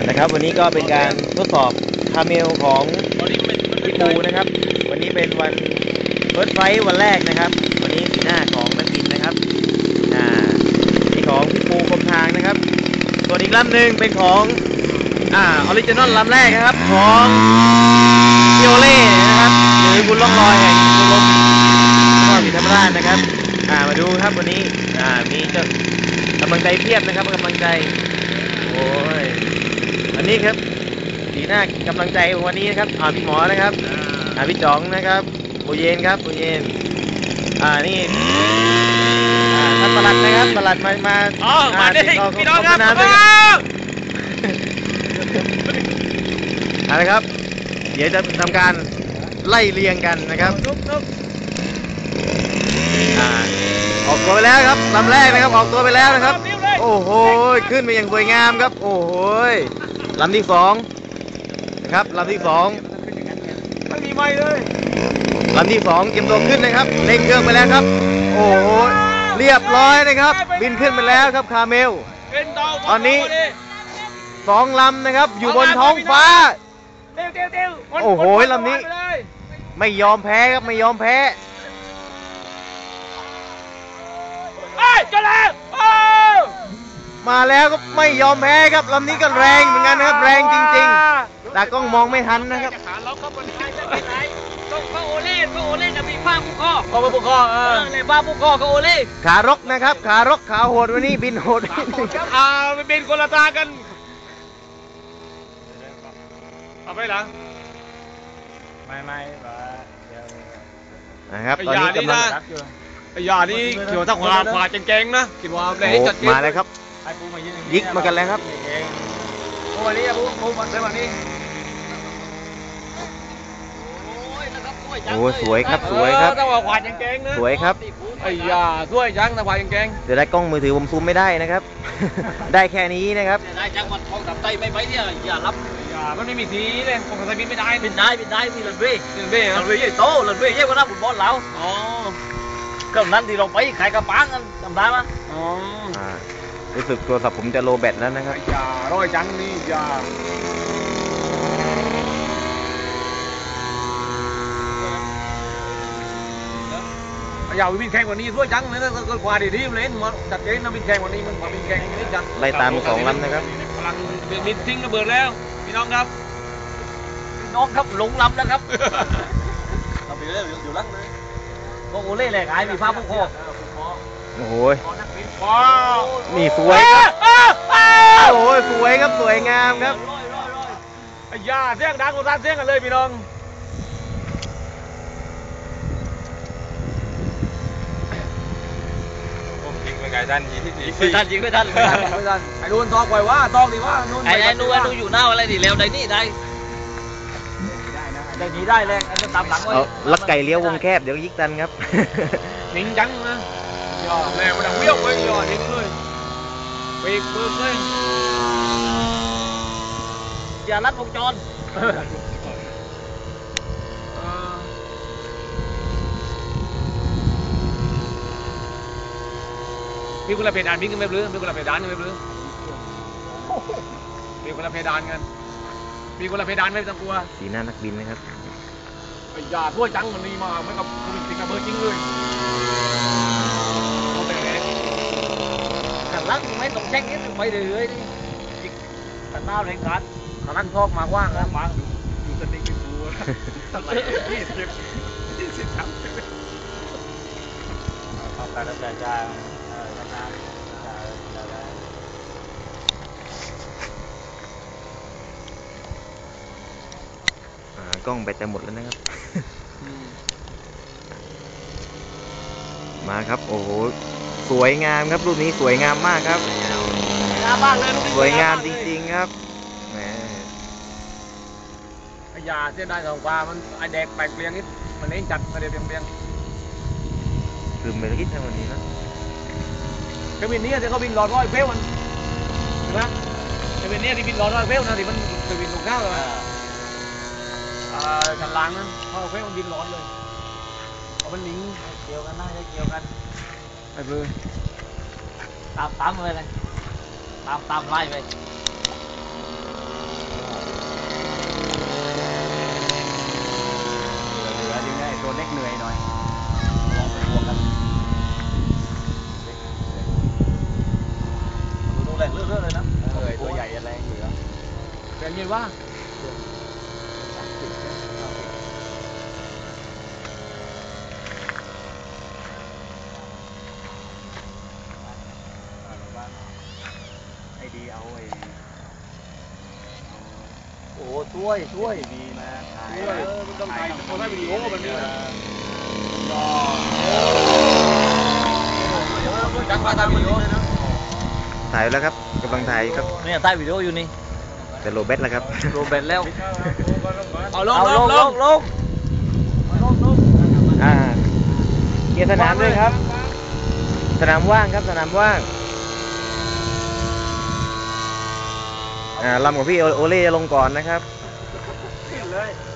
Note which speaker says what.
Speaker 1: นะครับวันนี้ก็เป็นการทดสอบคาเมลของพี่ปูนะครับวันนี้เป็นวันเฟิร์สไฟท์วันแรกนะครับวันนี้สีหน้าของนักบินนะครับนี่ของพี่ปูคมทางนะครับส่วนอีกลำหนึ่งเป็นของออริจินอลลำแรกนะครับของเกียวเล่นะครับหรือบุญล่องลอยแห่งบุญลมนครศรีธรรมราชนะครับมาดูครับวันนี้มีเจ้ากำลังใจเพียบนะครับกำลังใจโอ้ยอันนี้ครับสีหน้ากำลังใจวันนี้นะครับพี่หมอนะครับพี่จ๋องนะครับปูเย็นครับปูเย็นนี่ท่านปลัดนะครับปลัดมา
Speaker 2: ดิพี่น้องครับ
Speaker 1: นะครับเดี๋ยวจะทำการไล่เรียงกันนะครับออกตัวไปแล้วครับลำแรกนะครับออกตัวไปแล้วนะครับโอ้โหขึ้นไปอย่างสวยงามครับโอ้โหลำที่สองนะครับลำที่สอง
Speaker 2: ไม่มีไม่เลย
Speaker 1: ลำที่สองเตรียมตัวขึ้นนะครับเร่งเครื่องไปแล้วครับโอ้โหเรียบร้อยนะครับบินขึ้นไปแล้วครับคาเมลตอนนี้สองลำนะครับอยู่บนท้องฟ้าโอ้โหลำนี้ไม่ยอมแพ้ครับไม่ยอมแพ้มาแล้วก็ไม่ยอมแพ้ครับลำนี้ก็แรงเหมือนกันนะครับแรงจริงๆแต่กล้องมองไม่ทันนะครับ
Speaker 2: ก็โอเล่จะมีผ้าผูกคอเลยผ้าผูกคอก็โอเล่
Speaker 1: ขารกนะครับขารกขาโหดวันนี้บินโหด
Speaker 2: ไม่บินคนละตากันเอาไปหลังไม่
Speaker 1: นะครับตอนนี้กำลัง
Speaker 2: ไอ้ยานี่เกี่ยวกับขวาเก่งๆนะคิดว่าเลยจัด
Speaker 1: มาเลยครับยิกมากันแล้วครับ
Speaker 2: วันนี้ปูมาเลยวันนี้
Speaker 1: โอ้สวยครับสวยครับ
Speaker 2: ต้องขวาเก่งๆนะ
Speaker 1: สวยครับ
Speaker 2: ไอ้ยาสวยจังขวาเก่ง
Speaker 1: ๆเดี๋ยวได้กล้องมือถือผมซูมไม่ได้นะครับได้แค่นี้นะครับ
Speaker 2: ได้จังมันทองกับไตไม่ไปเนี่ยอย่ารับมันไม่มีสีเลยผมกับไตบินไม่ได้บินได้มีลันเว่ใหญ่โตลันเว่ใหญ่กว่าน้ำบุญบอลแล้วก็นั้นที่เราไปขายกระปังกันจำได้ไหม
Speaker 1: รู้สึกโทรศัพท์ผมจะโลแบตแล้วนะครับ
Speaker 2: อย่าร้อยจังนี่อย่าวิ่งแข่งกว่านี้ด้วยจังเลยนะก็กว่าดีๆเล่นมาจัดเองนะวิ่งแข่งกว่านี้มันวิ่งแข่งนี่จัง
Speaker 1: ไล่ตามสองลำนะครับ
Speaker 2: พลังบินทิ้งระเบิดแล้วพี่น้องครับหลงลำแล้วครับเราไปเรื่อยอยู่ลังเลยก็โอเล่แหละขายมีฟ้าผู้คอ
Speaker 1: โอ้โหนี่สวยครับโอ้ยสวยครับสวยงามครับ
Speaker 2: อย่าเสียงดังกว่าเสียงกันเลยพี่น้องไก่ดันยิงที่ดีไม่ทันไอ้ดูนทองปล่อยว่าทองดีว่าไอ้ดูอยู่หน้าอะไรดิเร็วได้นี่ได้นี้ได้แรงอันจะตามหลังไว้
Speaker 1: ลักไก่เลี้ยววงแคบเดี๋ยวยิกตันครับ
Speaker 2: นิ่งจังนะย่อแรงมันดังเบี้ยวไปย่อนิ่งเลยปีกปืนเลยอย่าลัดวงจรมีคนละเพดานมีกันไม่รู้มีคนละเพดานกันไม่รู้มีคนละเพดานกันมีคนละเพดานไม่ต้องกลัว
Speaker 1: สีหน้านักบินนะครับ
Speaker 2: อย่าทั่วจังมันนี่มาไม่กับคุณติดกับเบอร์จริงเลยขันลังไม่ต้องแจ้งนิดไปเลยนี่ขันหน้าแรงกัดขันลังชอบมากว่างแล้วมาดูสติ๊กเป็นตัวสไลด์20 ครับขอบการรับใจจ้
Speaker 1: ากล้องแบตจะหมดแล้วนะครับมาครับโอ้โหสวยงามครับรูปนี้สวยงามมากครับสวยงามจริงๆครับแหม
Speaker 2: ยาเส้นได้ของปลามันไอแดกแปลกเปลี่ยนนิดมันเล่นจัดมาเดี๋ยวเปลี่ยน
Speaker 1: คือไม่ได้คิดในวันนี้นะ
Speaker 2: เครื่องบินนี้จะเขาบินหลอดร้อยเฟลมันใช่ไหมเครื่องบินนี้ที่บินหลอดร้อยเฟลนะที่มันเครื่องบินลงข้าวเลยชั้นล่างนั้นเขาเฟลมันบินร้อนเลยเอามันนิ่งเกี่ยวกันน่าจะเกี่ยวกันไปเลยตามเลยตามไล่ไปแบบนี้ว่า
Speaker 1: ไอ้ดีเอาไอ้
Speaker 2: โอ้ช่วยช่วย
Speaker 1: ดีมาถ่าย
Speaker 2: มันต้องถ่ายคนให้วิดีโอแบบนี้นะจักมาถ่ายวิดีโอ
Speaker 1: ถ่ายแล้วครับกำลังถ่ายครับ
Speaker 2: เนี่ยถ่ายวิดีโออยู่นี่
Speaker 1: แต่โลเบสแล้วครับ
Speaker 2: โรเบตแล้วเอาลงลง
Speaker 1: เกียร์สนามด้วยครับ สนามว่างครับสนามว่างลำของพี่โอเล่จะลงก่อนนะครับ
Speaker 2: เลย